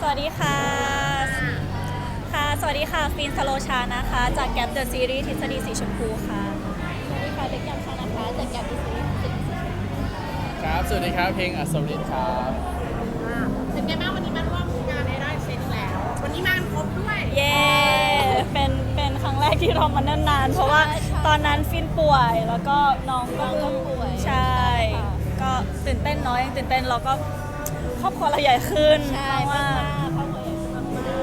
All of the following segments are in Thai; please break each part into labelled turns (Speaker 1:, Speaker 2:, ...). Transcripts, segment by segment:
Speaker 1: วัสดีค่ะสวัสดีค่ะฟินสโลชานะคะจากแกปเดอะซีรีส์ทฤษฎีสีชมพูค่ะ
Speaker 2: สวัสดีค่ะเบคแกมชานะคะจากแกมดิสนีย์สิบสีชมพูค่ะ
Speaker 3: ครับ สวัสดีครับ เพลงอัศรินครับ
Speaker 2: เป็นไงบ้างวันนี้มาร่วมงานในได้เซ็นแล้ว วันนี้มาครบด้วย
Speaker 1: เย้เป็นครั้งแรกที่เรามานานๆเพราะว่าตอนนั้นฟินป่วยแล้วก็น้องก็
Speaker 2: ป่วย
Speaker 1: ใช่ก็ตื่นเต้นน้อยตื่นเต้นแล้วก็ครอบครัวเราใหญ่ขึ้น
Speaker 2: ใช่
Speaker 1: เพราะว่า
Speaker 2: ครอบครัวใหญ่ขึ้นมาก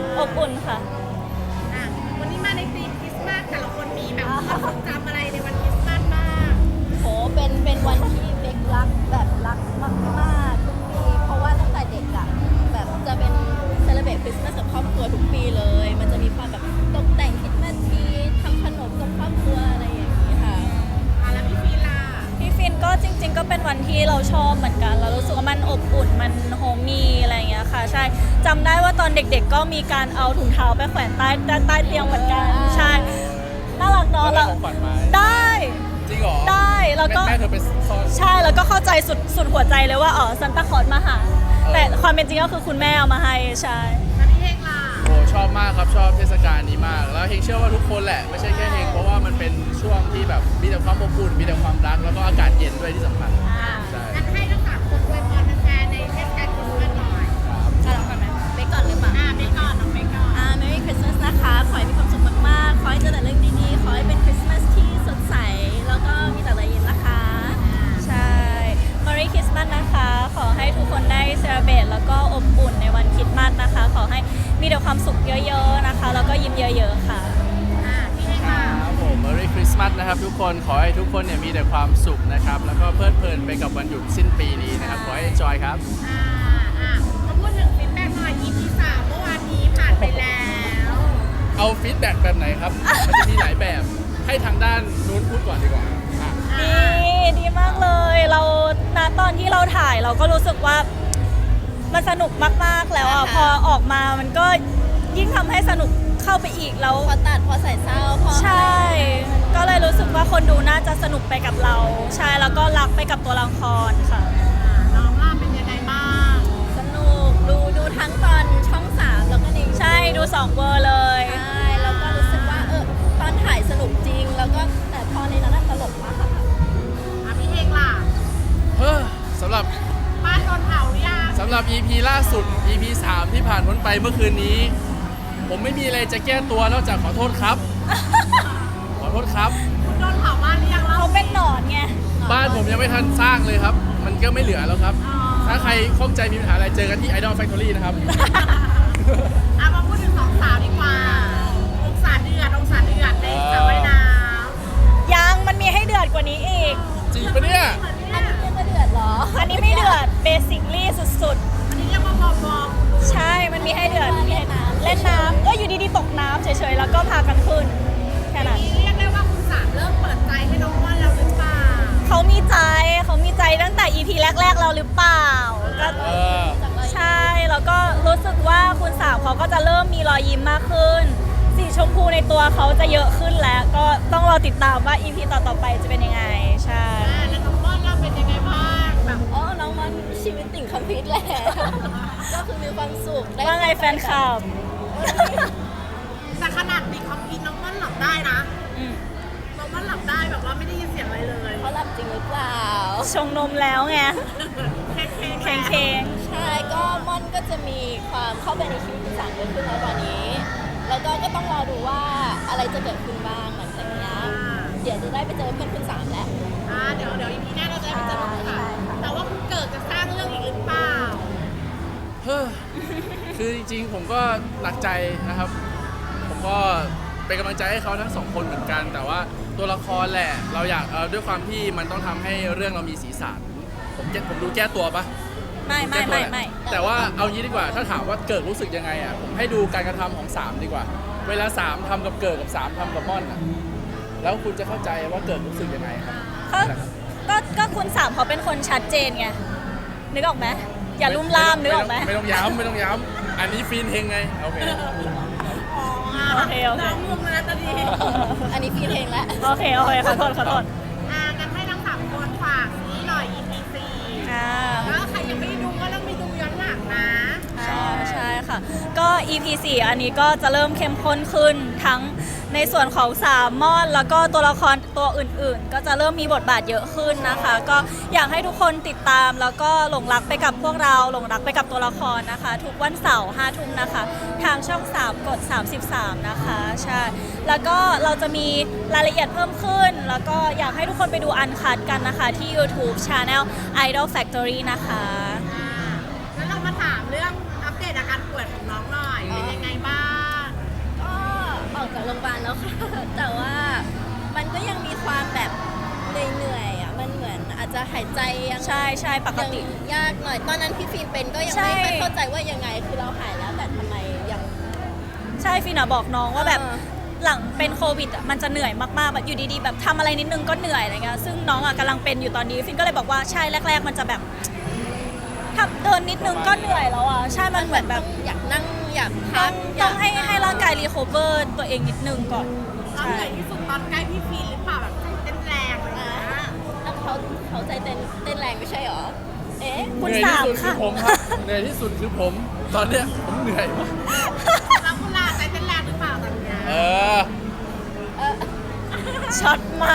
Speaker 1: อบอุ่นค่ะ
Speaker 2: วันนี้มาในธีมคริสต์มาสแต่ละคนมีแบบความทรงจำอะไรในวันคริสต์มาสบ้างโหเป็นวันที่เบครักแบบรักมากๆทุกปีเพราะว่าตั้งแต่เด็กอะแบบจะเป็นเซเลบเรตคริสต์มาสกับครอบครัวทุกปีเลย มันจะมีความแบบตกแต่งคริสต์มาสทรีทำขนมกับครอบครัวอะไรอย่างนี้ค่ะแล้วพี่ฟีล่ะ
Speaker 1: พี่ฟินก็จริงๆก็เป็นวันที่เราชอบเหมือนกันเรารู้สึกว่ามันอบอุ่นมันโฮมมี่อะไรอย่างเงี้ยค่ะใช่จำได้ว่าตอนเด็กๆก็มีการเอาถุงเท้าไปแขวนใต้เตียงเหมือนกันใช่น่ารักเนาะ
Speaker 3: ได้ของขวัญไหม
Speaker 1: ได้
Speaker 3: จริงเหรอ
Speaker 1: ได้แล้วก็
Speaker 3: แม่เธอไปซ่อน
Speaker 1: ใช่แล้วก็เข้าใจสุดหัวใจเลยว่าอ๋อซันตาคลอสมาหาแต่ความเป็นจริงก็คือคุณแม่เอามาให้ใช่
Speaker 2: แล้วพี่เฮงล่ะ
Speaker 3: โอ้ชอบมากครับ ชอบเทศกาลนี้มาก แล้วเฮงเชื่อว่าทุกคนแหละ ไม่ใช่แค่เฮงเพราะว่ามันเป็นช่วงที่แบบมีแต่ความอบอุ่น มีแต่ความรัก แล้วก็อากาศเย็นด้วยที่สำคัญ ใช่
Speaker 2: งั้นให้ทั้งสามคนอวยพรแฟนๆในเทศกาลคริสต์มาสหน่อย
Speaker 3: ครับ
Speaker 2: ก่อนไหมเบคก่อนหรือเปล่าเบคก่อนน้องเบคก่อนMerry Christmas นะคะ ขอให้มีความสุขมากๆ ขอให้เจอแต่เรื่องดีๆ ขอให้เป็นคริสต์มาสที่สดใส แล้วก็มีแต่รอยยิ้มนะคะ
Speaker 1: ใช่ Merry Christmas นะคะ ขอให้ทุกคนได้เซเลบรตแล้วก็อบอุ่นในวันคริสต์มาสนะคะ ขอให้มีแต่ความสุขเยอะๆนะคะ แล้วก็ยิ้มเยอะๆค่ะ
Speaker 2: พี่เฮงค่ะ
Speaker 3: ครับผม Merry Christmas นะครับทุกคน ขอให้ทุกคนเนี่ยมีแต่ความสุขนะครับ แล้วก็เพลิดเพลินไปกับวันหยุดสิ้นปีนี้นะครับ ขอให้ enjoy ครับ
Speaker 2: มาพูดถึงฟีดแบ็กหน่อย EP 3เมื่อวานนี้ผ่านไปแล้ว
Speaker 3: เอาฟีดแบ็กแบบไหนครับ มันจะมีหลายแบบ ให้ทางด้านนู้นพูดก่อนดีกว่าอ่ะ
Speaker 1: ดีมากเลย เราณตอนที่เราถ่ายเราก็รู้สึกว่ามันสนุกมากๆแล้วอ่ะพอออกมามันก็ยิ่งทำให้สนุกเข้าไปอีกแล้ว
Speaker 2: พอตัดพอใส่เศร้าพอ
Speaker 1: ใช่ ก็เลยรู้สึกว่าคนดูน่าจะสนุกไปกับเรา ใช่แล้วก็รักไปกับตัวละครค่ะ
Speaker 2: น้องล่าเป็นยังไงบ้าง สนุก ดูทั้งตอนช่อง 3 แล้วก็ใน
Speaker 1: ใช่ดู2 เวอร์เลย
Speaker 2: ใช่ แล้วก็รู้สึกว่าตอนถ่ายสนุกจริง แล้วก็แต่พอในนั้นตลกมากค่ะพี่เฮงล่ะ
Speaker 3: เฮ้อสำหรับ
Speaker 2: บ้านโดนเผาหรือยัง
Speaker 3: สำหรับ EP ล่าสุด EP 3 ที่ผ่านพ้นไปเมื่อคืนนี้ ผมไม่มีอะไรจะแก้ตัวนอกจากขอโทษครับ ขอโทษครับ
Speaker 2: คุณโดนเผาบ้านหรือยังเล่า
Speaker 1: เขาเป็นหนอนไง
Speaker 3: บ้านผมยังไม่ทันสร้างเลยครับ มันก็ไม่เหลือแล้วครับ
Speaker 2: อ๋อ
Speaker 3: ถ้าใครข้องใจมีปัญหาอะไรเจอกันที่ Idol Factory นะครับ
Speaker 2: มาพูดถึง2 สาวดีกว่าองศาเดือดในสระว่ายน้ำ
Speaker 1: ยังมันมีให้เดือดกว่านี้อีก
Speaker 3: จริงปะเนี่ย
Speaker 2: อันนี้เรียกว่าเดือดเหรอ
Speaker 1: อันนี้ไม่เดือดเบสิคลี่สุด
Speaker 2: อันนี้เรียกว่าบอม
Speaker 1: ๆ ใช่ มันมีให้เดือดมีให้เล่นน้ำก็อยู่ดีๆตกน้ำเฉยๆ แล้วก็พากันขึ้น แค่นั้น
Speaker 2: นี้เรียกได้ว่าคุณสามเริ่มเปิดใจให้น้องว่านแล้วหรือเปล่า
Speaker 1: เขามีใจตั้งแต่ EP แรกๆเราหรือเปล่าก็
Speaker 3: เออ
Speaker 1: ใช่ แล้วก็รู้สึกว่าคุณสาวเขาก็จะเริ่มมีรอยยิ้มมากขึ้น สีชมพูในตัวเขาจะเยอะขึ้นแล้ว ก็ต้องรอติดตามว่า EP ต่อๆไปจะเป็นยังไง ใช่
Speaker 2: แล้วน้องว่านเราเป็นยังไงบ้างแบบน้องว่านชีวิตติ่งคอมพิวต์แหละ ก็คือมีความสุข
Speaker 1: ว่าไงแฟนคลับ
Speaker 2: แต่ขนาดติ่งคอมพิวต์น้องว่านหลับได้นะ
Speaker 1: อืม
Speaker 2: น้องว่านหลับได้แบบว่าไม่ได้ยินเสียงอะไรเลยเขาหลับจริงหรือเปล่า
Speaker 1: ชงนมแล้วไง
Speaker 2: เค้ง
Speaker 1: เค้ง
Speaker 2: ใช่ก็ม่อนก็จะมีความเข้าไปในชีวิตคุณสามเยอะขึ้นแล้วตอนนี้ แล้วก็ต้องรอดูว่าอะไรจะเกิดขึ้นบ้างหลังจากนี้เดี๋ยวจะได้ไปเจอเพื่อนคุณสามแล้วเดี๋ยวอีพีหน้าเราจะได้ไปเจอคุณสามแต่ว่าคุณเกิดจะสร้างเรื่องอีกหรือเปล่า
Speaker 3: เฮ้อคือจริงๆ ผมก็หนักใจนะครับ ผมก็เป็นกำลังใจให้เขาทั้งสองคนเหมือนกัน แต่ว่าตัวละครแหละ เราอยากด้วยความที่มันต้องทำให้เรื่องเรามีสีสันผมดูแก้ตัวปะ
Speaker 1: ไม่
Speaker 3: แก้ตัวแหละแต่ว่าเอางี้ดีกว่า ถ้าถามว่าเกิดรู้สึกยังไงอ่ะ ผมให้ดูการกระทำของ3ดีกว่า เวลา3ทำกับเกิดกับ3ทำกับม่อนอ่ะ แล้วคุณจะเข้าใจว่าเกิดรู้สึกยังไงครับ
Speaker 1: ก็คุณสามเขาเป็นคนชัดเจนไง นึกออกไหม อย่าลุ่มล่ามนึกออกไหม
Speaker 3: ไม่ต้องย้ำอันนี้ฟีนเฮงไง โอเค
Speaker 1: โอเค
Speaker 2: น้องงงแล้วตอนนี้ อันนี้ฟีนเองแล้ว
Speaker 1: โอเคขอโทษ
Speaker 2: กันให้ทั้ง3คนฝากนี้หน่อย EP 4
Speaker 1: อ่า
Speaker 2: แล้วใครยังไม่ดูก็ต้องไปดูย้อนหลังนะ
Speaker 1: ใช่ค่ะค่ะก็ EP 4อันนี้ก็จะเริ่มเข้มข้นขึ้นทั้งในส่วนของสามมอนแล้วก็ตัวละครตัวอื่นๆ ก็จะเริ่มมีบทบาทเยอะขึ้นนะคะ ก็อยากให้ทุกคนติดตามแล้วก็หลงรักไปกับพวกเราหลงรักไปกับตัวละครนะคะ ทุกวันเสาร์5 ทุ่มนะคะ ทางช่อง 3 กด 33 นะคะใช่แล้วก็เราจะมีรายละเอียดเพิ่มขึ้น แล้วก็อยากให้ทุกคนไปดูอันคัดกันนะคะที่ YouTube Channel Idol Factory นะคะ
Speaker 2: แล้วเรามาถามเรื่องอัปเดตอาการป่วยของน้องหน่อยเป็นยังไงบ้าง
Speaker 4: ก็ออกจากโรงพยาบาลแล้วค่ะ แต่ว่ามันก็ยังมีความแบบเหนื่อยๆอ่ะ มันเหมือนอาจจะหายใจยัง
Speaker 1: ใช่ใช่ปกติ
Speaker 4: ยังยากหน่อย ตอนนั้นพี่ฟิล์มเป็นก็ยัง
Speaker 1: ใช่
Speaker 4: ไม่เข้าใจว่ายังไง คือเราหายแล้วแต่ทำไมยัง
Speaker 1: ใช่ฟินอะบอกน้องว่าแบบ
Speaker 4: เออ
Speaker 1: หลังเป็นโควิดอะมันจะเหนื่อยมากๆแบบอยู่ดีๆแบบทำอะไรนิดนึงก็เหนื่อยอะไรเงี้ยซึ่งน้องอะกำลังเป็นอยู่ตอนนี้ฟินก็เลยบอกว่าใช่แรก ๆ มันจะแบบทำเดินนิดนึงก็เหนื่อยแล้วอะใช่มันเหมือนแบบ
Speaker 4: อยากนั่งอยาก
Speaker 1: ต้
Speaker 4: พั
Speaker 1: อก งต้องให้ร่างกายรีคอเวอร์ตัวเองนิดนึงก่อน
Speaker 2: น้อง
Speaker 1: ใช่
Speaker 2: เหนื่อยที่สุดตอนใกล้พี่ฟีนหรือเปล่าแบบใจเต้นแรงอะไรอย่าง
Speaker 4: อ่า
Speaker 2: เงี้ย
Speaker 4: แล้วเขาใจเต้นแรงไม่ใช่หรอ เอ๊ะ
Speaker 1: คุณ
Speaker 3: เหนื่อย
Speaker 1: สาม
Speaker 3: ที่สุดคื
Speaker 1: ค่ะ
Speaker 3: อผมครับ เหนื่อยที่สุดคือผม ตอนเนี้ยผมเหนื่อยมาก
Speaker 2: แล้วคุณล่ะใจเต้นแรงหรือเปล่าตอนเนี้ย
Speaker 3: เออ
Speaker 1: ช็อตไหม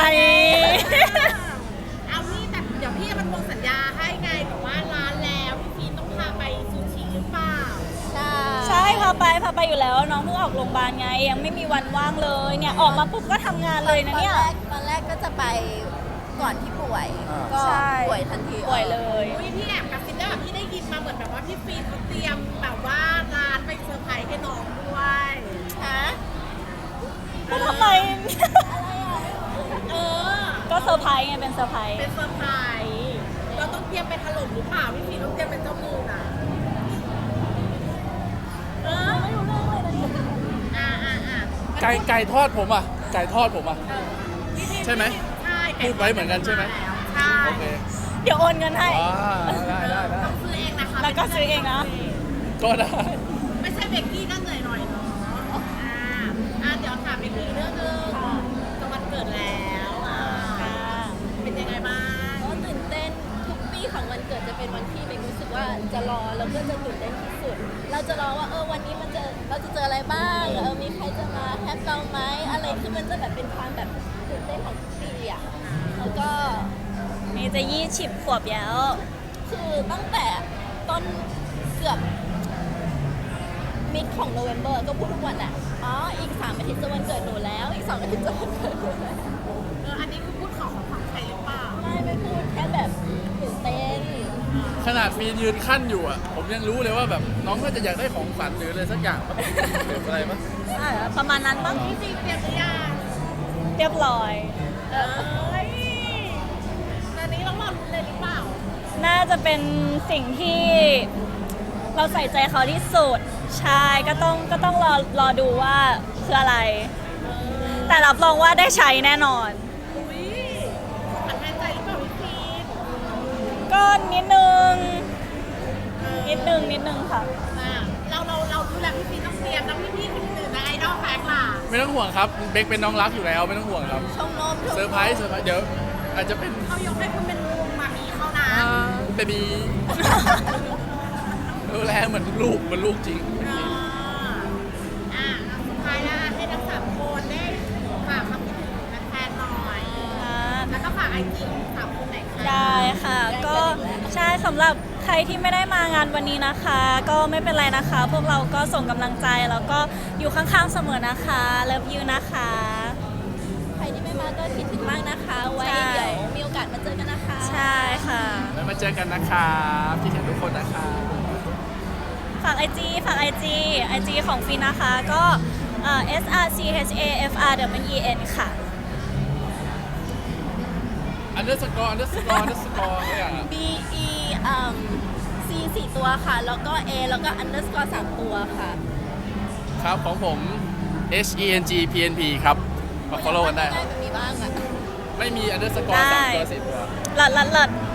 Speaker 2: เอาพี่แต่เดี๋ยวพี่จะมันวงสัญญาให้ไงแต่ว่าร้านแล้วพี่ฟีนต้องพาไปซูชิหรือเปล่า
Speaker 4: ใช่
Speaker 1: ใช่พาไปอยู่แล้วน้องเพิ่งออกโรงพยาบาลไงยังไม่มีวันว่างเลยเนี่ยออกมาปุ๊บก็ทำงานเลยนะเนี่ย
Speaker 4: ตอนแรกก็จะไปก่อนที่ป่วย
Speaker 3: อ่า
Speaker 4: ก็
Speaker 1: ใช่
Speaker 4: ป่วยทันที
Speaker 1: ป่วยเลย
Speaker 2: อุ้ยพี่แอบกระซิบได้แบบพี่ได้ยินมาเหมือนแบบว่าพี่ฟีนเขาเตรียมแบบว่าร้านไปเซอร์ไพรส์ให้น้องด้วย
Speaker 4: ฮะ
Speaker 1: ก็ทำไม
Speaker 2: เออ
Speaker 1: ก็เซอร์ไพรส์ไงเป็นเซอร์ไพรส์
Speaker 2: เป็นเซอร์ไพรส์เราต้องเตรียมไปถล่มหรือเปล่าพี่ฟีนต้องเตรียมเป็นเจ้ามือนะเออไม่รู้เรื่องเลยอ่า
Speaker 3: ไก่ทอดผมอ่ะ ไก่ทอดผมอ่ะ
Speaker 2: พี่ฟีน
Speaker 3: ใช่ไหม
Speaker 2: ใช่
Speaker 3: พูดไว้เหมือนกันใช่ไหม
Speaker 2: ใช่
Speaker 3: โอเค
Speaker 1: เดี๋ยวโอนเงินให้
Speaker 3: อ๋อได้ได้ได้
Speaker 2: ต้องซื้อเองนะคะ
Speaker 1: แล้วก็ซื้อเองนะ
Speaker 3: ก็ได้
Speaker 2: ไม่ใช่เบกกี้ก็เหนื่อยหน่อยเนาะเดี๋ยวถามเบกกี้เรื่องนึงจะวันเกิดแล้วเป็นยังไงบ้าง
Speaker 4: ก็ตื่นเต้นทุกปีของวันเกิดจะเป็นวันที่เบนรู้สึกว่าจะรอแล้วก็จะตื่นเต้นที่สุด เราจะรอว่าวันนี้เราจะเจออะไรบ้างมีใครจะมาแฮปเราไหมอะไรคือมันจะแบบเป็นความแบบตื่นเต้นของทุกปีอ่ะแล้วก็
Speaker 1: นี่จะ20 ขวบแล้ว
Speaker 4: คือตั้งแต่ต้นเกือบมิดของโนเวมเบอร์ก็พูดทุกวันแหละอีก3 อาทิตย์จะวันเกิดหนูแล้วอีก2 อาทิตย์จะวันเกิดหนูแล้ว
Speaker 2: อันนี้คือพูดของใครหรือเปล่า
Speaker 4: ไม่พูดแค่แบบตื่นเต้น
Speaker 3: ขนาดฟีนยืนขั้นอยู่อ่ะ ผมยังรู้เลยว่าแบบน้องก็จะอยากได้ของฝันหรืออะไรสักอย่างปะหรืออะไรปะ
Speaker 1: ประมาณนั้นบ้าง
Speaker 2: พี่ซีเตรียมหรือยัง
Speaker 1: เรียบร้อย
Speaker 2: เอ้ยตอนนี้ต้องมาลุ้นเลยหรือเปล่า
Speaker 1: น่าจะเป็นสิ่งที่เราใส่ใจเขาที่สุด ใช่ก็ต้องรอดูว่าคืออะไร แต่รับรองว่าได้ใช้แน่นอน
Speaker 2: อุ้ยขวัญแทนใจหรือเปล่าพี่ฟีน
Speaker 1: ก็นิดนึงค่ะ
Speaker 2: เราดูแลพี่ฟีนต้องเตรียมน้องพี่คนอื่นนะไอดอลแฟกล่ะ
Speaker 3: ไม่ต้องห่วงครับ เบคเป็นน้องรักอยู่แล้วไม่ต้องห่วงครับ
Speaker 4: ชมนม
Speaker 3: เซอร์ไพรส์เดี๋ยวอาจจะเป็น
Speaker 2: เขายกให้คุณเป็นมามีเขานะ
Speaker 3: เบบีดูแลเหมือนลูกจริง
Speaker 2: สุดท้ายแล้วให้ทั้ง3 คนได้ฝากคำพูดถึงแฟนๆหน่อย แล้วก็ฝากไอจีของ3 คนไหนอยคะ
Speaker 1: ได้ค่ะ ก็ใช่สำหรับใครที่ไม่ได้มางานวันนี้นะคะ ก็ไม่เป็นไรนะคะ พวกเราก็ส่งกำลังใจแล้วก็อยู่ข้างๆเสมอนะคะเลิฟยูนะคะ
Speaker 4: ใครที่ไม่มาก็คิดถึงมากนะคะ ไว้
Speaker 1: ใช่
Speaker 4: เดี๋ยวมีโอกาสมาเจอกันนะคะ
Speaker 1: ใช่ค่ะ
Speaker 3: แล้วมาเจอกันนะครับคิดถึงทุกคนนะครับ
Speaker 1: ฝากไอจีของฟินนะคะก็SRCHAFRWEN ค่ะ
Speaker 3: underscore เนี่ย
Speaker 4: B E C 4 ตัวค่ะ แล้วก็ A แล้วก็ underscore 3 ตัวค่ะ
Speaker 3: ครับของผม HENGPNP ครับมา follow กันได้ครับ
Speaker 4: มันมีบ้างอ่ะ
Speaker 3: ไม่มี underscore
Speaker 1: ได้
Speaker 3: 3 ตัว 4 ตัว
Speaker 1: หลัด